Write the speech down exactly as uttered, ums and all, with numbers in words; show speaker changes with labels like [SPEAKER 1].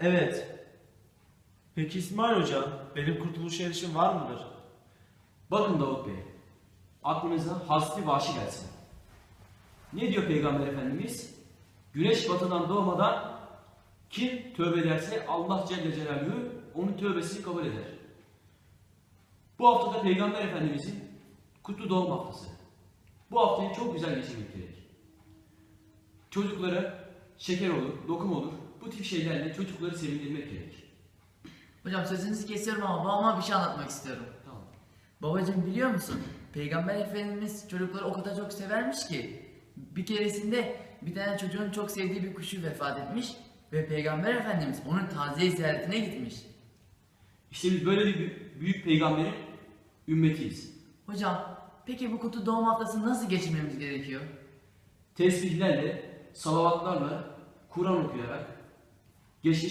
[SPEAKER 1] Evet. Peki İsmail Hocam, benim kurtuluşa erişim var mıdır?
[SPEAKER 2] Bakın Davut Bey, aklınıza hasbi vahşi gelsin. Ne diyor Peygamber Efendimiz? Güneş batıdan doğmadan kim tövbe ederse Allah Celle Celaluhu onun tövbesini kabul eder. Bu haftada Peygamber Efendimizin kutlu doğum haftası. Bu haftayı çok güzel geçirmek gerek. Çocuklara şeker olur, lokum olur, bu tip şeylerle çocukları sevindirmek gerek.
[SPEAKER 3] Hocam sözünüzü kesiyorum ama babama bir şey anlatmak istiyorum.
[SPEAKER 2] Tamam.
[SPEAKER 3] Babacığım biliyor musun? Peygamber Efendimiz çocukları o kadar çok severmiş ki bir keresinde bir tane çocuğun çok sevdiği bir kuşu vefat etmiş ve Peygamber Efendimiz onun taziye ziyaretine gitmiş.
[SPEAKER 2] İşte biz böyle bir bü- büyük peygamberin ümmetiyiz.
[SPEAKER 3] Hocam peki bu kutu doğum haftasını nasıl geçirmemiz gerekiyor?
[SPEAKER 2] Tesbihlerle, salavatlarla, Kur'an okuyarak, geçmiş